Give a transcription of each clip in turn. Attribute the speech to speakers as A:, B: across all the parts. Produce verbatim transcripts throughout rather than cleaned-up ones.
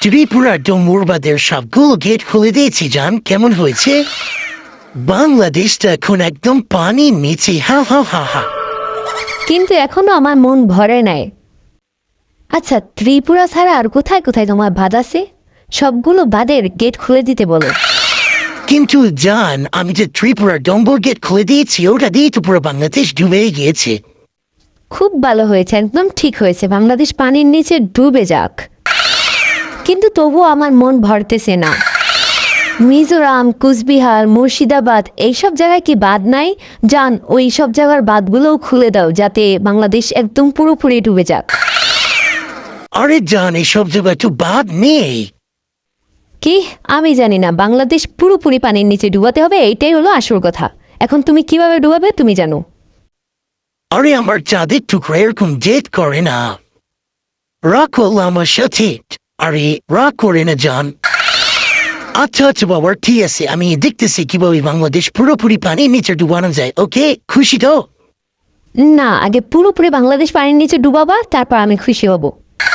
A: ত্রিপুরা ডোমুরবাদের সবগুলো গেট খুলে দিয়েছি জান, কেমন হয়েছে? বাংলাদেশটা এখন একদম পানির নিচে, হা হা হা হা।
B: কিন্তু এখনো আমার মন ভরে নাই। আচ্ছা, ত্রিপুরা ছাড়া আর কোথায় কোথায় তোমার বাঁধ আছে? সবগুলো বাঁধের গেট খুলে দিতে বলো।
A: কিন্তু জান, আমি যে ত্রিপুরা ডম্বর গেট খুলে দিয়েছি, ওটা দিয়ে তো পুরো বাংলাদেশ ডুবে গিয়েছে।
B: খুব ভালো হয়েছে, একদম ঠিক হয়েছে, বাংলাদেশ পানির নিচে ডুবে যাক। কিন্তু তবুও আমার মন ভরতেছে না। মিজোরাম, কুচবিহার, মুর্শিদাবাদ এইসব জায়গায় কি বাঁধ নাই? জান, ওই সব জায়গার বাঁধগুলোও খুলে দাও, যাতে বাংলাদেশ একদম পুরোপুরি ডুবে যাক।
A: আরে জান, এসব জায়গায় তো বাদ নেই।
B: কি? আমি জানি না, বাংলাদেশ পুরোপুরি পানির নিচে ডুবাতে হবে, এইটাই হলো আসল কথা। এখন তুমি কিভাবে ডুবাবে তুমি জানো।
A: আরে আমার চাঁদের টুকরা এরকম জেদ করে না। রাগ করলো আমার সাথে। আরে রাগ করে না জান। আচ্ছা আচ্ছা বাবা, ঠিক আছে, আমি দেখতেছি কিভাবে বাংলাদেশ পুরোপুরি পানির নিচে ডুবানো যায়। ওকে, খুশি তো?
B: না, আগে পুরোপুরি বাংলাদেশ পানির নিচে ডুবাবা, তারপর আমি খুশি হব।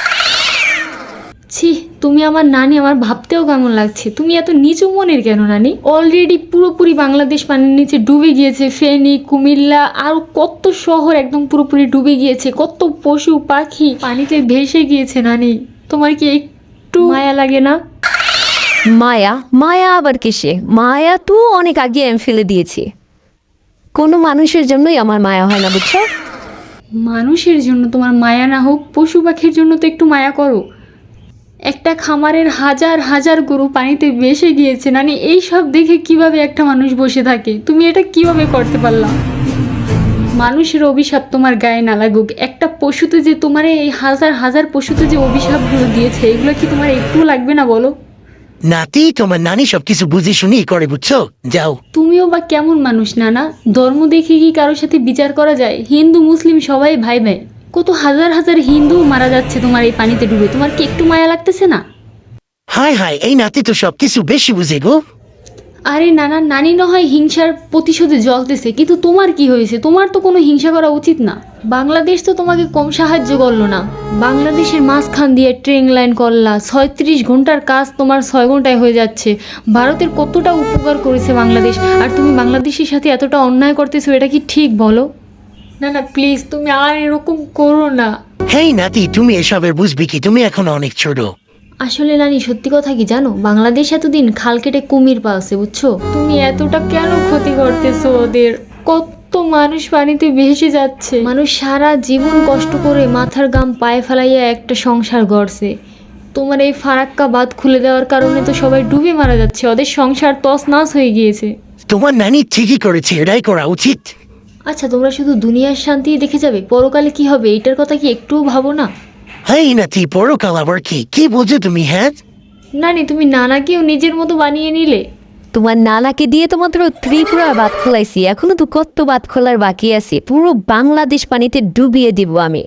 C: ছি, তুমি আমার নানি, আমার ভাবতেও কেমন লাগছে। তুমি এত নিচু মনের কেন নানি? অলরেডি পুরোপুরি বাংলাদেশ পানির নিচে ডুবে গিয়েছে। ফেনী, কুমিল্লা আর কত শহর একদম পুরোপুরি ডুবে গিয়েছে। কত পশু পাখি পানিতে ভেসে গিয়েছে নানি। তোমার কি একটু মায়া লাগে না?
B: মায়া? মায়া আবার কিসে? মায়া তো অনেক আগে আমি ফেলে দিয়েছি। কোনো মানুষের জন্যই আমার মায়া হয় না, বুঝছো?
C: মানুষের জন্য তোমার মায়া না হোক, পশু পাখির জন্য তো একটু মায়া করো। একটা খামারের হাজার হাজার গরু পানিতে ভেসে গিয়েছে নানি, এই সব দেখে কিভাবে একটা মানুষ বসে থাকে? তুমি এটা কিভাবে করতে পারলা? মানুষের অভিশাপ তোমার গায়ে না লাগুক, একটা পশুতে যে তোমার এই হাজার হাজার পশুতে যে অভিশাপগুলো দিয়েছে, এগুলো কি তোমার একটু লাগবে না বলো?
A: নাতি, তোমার নানি সবকিছু বুঝে শুনেই করে, বুঝছো? যাও।
C: তুমিও বা কেমন মানুষ নানা? ধর্ম দেখে কি কারোর সাথে বিচার করা যায়? হিন্দু মুসলিম সবাই ভাই ভাই। কত হাজার হাজার হিন্দু মারা যাচ্ছে তোমার এই পানিতে ডুবে, তোমার কি একটু মায়া লাগতেছে না?
A: হাই হাই, এই নাতি তো সবকিছু বেশি বুঝে গো।
C: আরে নানা, নানি না হয় হিংসার প্রতিশোধে জ্বলতেছে, কিন্তু তোমার কি হয়েছে? তোমার তো কোনো হিংসা করা উচিত না। বাংলাদেশ তো তোমাকে কম সাহায্য করলো না। বাংলাদেশের মাঝখান দিয়ে ট্রেন লাইন করলা, ছয়ত্রিশ ঘন্টার কাজ তোমার ছয় ঘন্টায় হয়ে যাচ্ছে। ভারতের কতটা উপকার করেছে বাংলাদেশ, আর তুমি বাংলাদেশের সাথে এতটা অন্যায় করতেছো, এটা কি ঠিক বলো? না না প্লিজ, তুমি আর এরকম করো না।
A: হেই নাতি, তুমি এসবের বুঝবি কি? তুমি এখন অনেক ছোট।
C: আসলে নানি, সত্যি কথা কি জানো, বাংলাদেশ এতদিন খাল কেটে কুমির পালছে, বুঝছো? তুমি এতটা কেন ক্ষতি করতেছো ওদের? কত মানুষ পানিতে ভেসে যাচ্ছে। মানুষ সারা জীবন কষ্ট করে মাথার গাম পায়ে ফেলাইয়া একটা সংসার গড়ছে। তোমার এই ফারাক্কা বাঁধ খুলে দেওয়ার কারণে তো সবাই ডুবে মারা যাচ্ছে, ওদের সংসার তছনছ হয়ে গিয়েছে।
A: তোমার নানি ঠিকই করেছে, এটাই করা উচিত।
C: আচ্ছা, তোমরা শুধু দুনিয়ার শান্তি দেখে যাবে, পরকালে কি হবে এইটার কথা কি একটুও ভাবো না?
A: হেই নাতি, পরকাল আবার কি? কি বোঝো তুমি? হ্যাঁ
C: নানি, তুমি নানাকেও নিজের মতো বানিয়ে নিলে।
B: তোমার নানাকে দিয়ে তো মাত্র ত্রিপুরার বাঁধ খোলাইছি, এখনো তো কত বাঁধ খোলার বাকি আছে। পুরো বাংলাদেশ পানিতে ডুবিয়ে দিব আমি।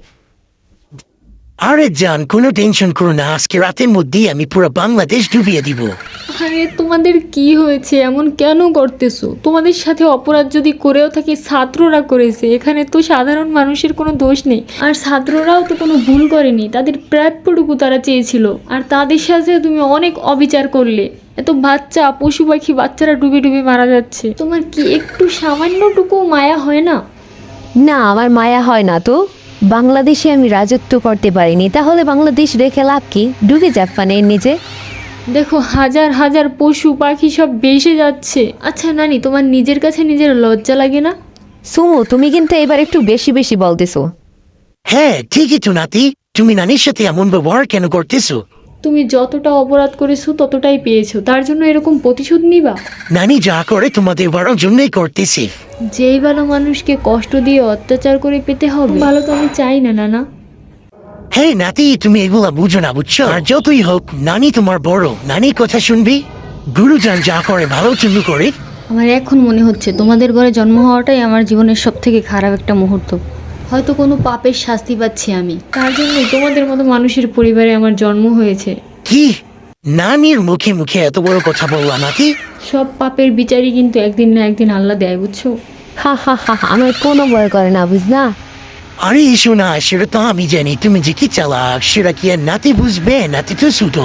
A: আরে জান, কোনো টেনশন করো না, আজকে রাতের মধ্যেই আমি পুরো বাংলাদেশ ডুবিয়ে দিব।
C: আরে তোমাদের কি হয়েছে? এমন কেন করতেছো? তোমাদের সাথে অপরাধ যদি করেও থাকি, ছাত্ররা করেছে, এখানে তো সাধারণ মানুষের কোনো দোষ নেই। আর ছাত্ররাও তো কোনো ভুল করেনি, তাদের প্রাপ্যটুকু তারা চেয়েছিল, আর তাদের সাথে তুমি অনেক অবিচার করলে। এত বাচ্চা, পশু পাখি, বাচ্চারা ডুবে ডুবে মারা যাচ্ছে, তোমার কি একটু সামান্যটুকু মায়া হয় না?
B: না, আমার মায়া হয় না তো। বাংলাদেশে আমি রাজত্ব করতে পারিনি, তাহলে বাংলাদেশ রেখে লাভ কি? ডুবে যাক পানির নিচে।
C: দেখো, হাজার হাজার পশু পাখি সব ভেসে যাচ্ছে। আচ্ছা নানি, তোমার নিজের কাছে নিজের লজ্জা লাগে না?
B: সুমু, তুমি কিন্তু এবার একটু বেশি বেশি বলতেছো।
A: হ্যাঁ ঠিকই তো নাতি, তুমি নানির সাথে এমন ব্যবহার কেন করতেছো?
C: তুমি যতটা অপরাধ করেছো ততটাই পেয়েছো, তার জন্য এরকম প্রতিশোধ নিবা?
A: নানি যা করে তোমাদের বড় জন্যই করতেছে।
C: যেই ভালো মানুষকে কষ্ট দিয়ে অত্যাচার করে পেতে হবে, ভালো তো আমি চাই না নানা।
A: হ্যাঁ নাতি, তুমি এগুলা বুঝো না, বুঝছো? আর যতই হোক, নানি তোমার বড়, নানির কথা শুনবি। গুরুজন যা করে ভালো জন্য করে।
C: আমার এখন মনে হচ্ছে তোমাদের ঘরে জন্ম হওয়াটাই আমার জীবনের সব থেকে খারাপ একটা মুহূর্ত। হয়তো কোনো পাপের শাস্তি পাচ্ছি আমি, তার জন্যই তোমাদের মতো মানুষের পরিবারে আমার জন্ম হয়েছে।
A: কি? নানির মুখে মুখে এত বড় কথা বললা নাকি?
C: সব পাপের বিচারই কিন্তু একদিন না একদিন আল্লাহ দেয়, বুঝছো?
B: হা হা হা হা, আমার কোনো ভয় করে না, বুঝনা?
A: আরে এসো না, সেটা তো আমি জানি তুমি যে কি চালাক, সেটা কি আর নাতি বুঝবে? নাতি তো ছোট।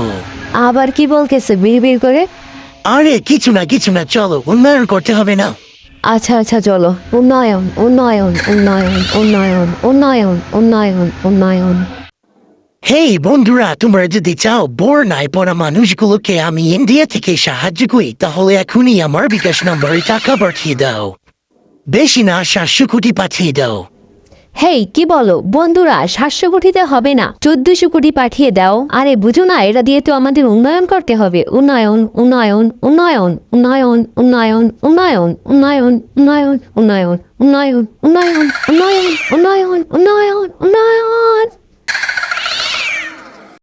B: আবার কি বলতেছে বিড়বিড় করে?
A: আরে কিছু না কিছু না, চলো উন্নয়ন করতে হবে না।
B: আচ্ছা আচ্ছা চলো, উন্নয়ন উন্নয়ন উন্নয়ন উন্নয়ন উন্নয়ন উন্নয়ন উন্নয়ন।
A: হেই বন্ধুরা, তোমরা যদি চাও বন্যায় পড়া মানুষগুলোকে আমি ইন্ডিয়া থেকে সাহায্য করি, তাহলে এখনই আমার বিকাশ নম্বরে টাকা পাঠিয়ে দাও। বেশি না, সাতশো কোটি পাঠিয়ে দাও।
B: হেই কি বলো বন্ধুরা, সাতশো কোটিতে হবে না, চোদ্দশো কোটি পাঠিয়ে দাও। আরে বুঝো না, এটা দিয়ে তো আমাদের উন্নয়ন করতে হবে। উন্নয়ন উন্নয়ন উন্নয়ন উন্নয়ন উন্নয়ন উন্নয়ন উন্নয়ন উন্নয়ন উন্নয়ন উন্নয়ন উন্নয়ন উন্নয়ন উন্নয়ন উন্নয়ন উন্নয়ন।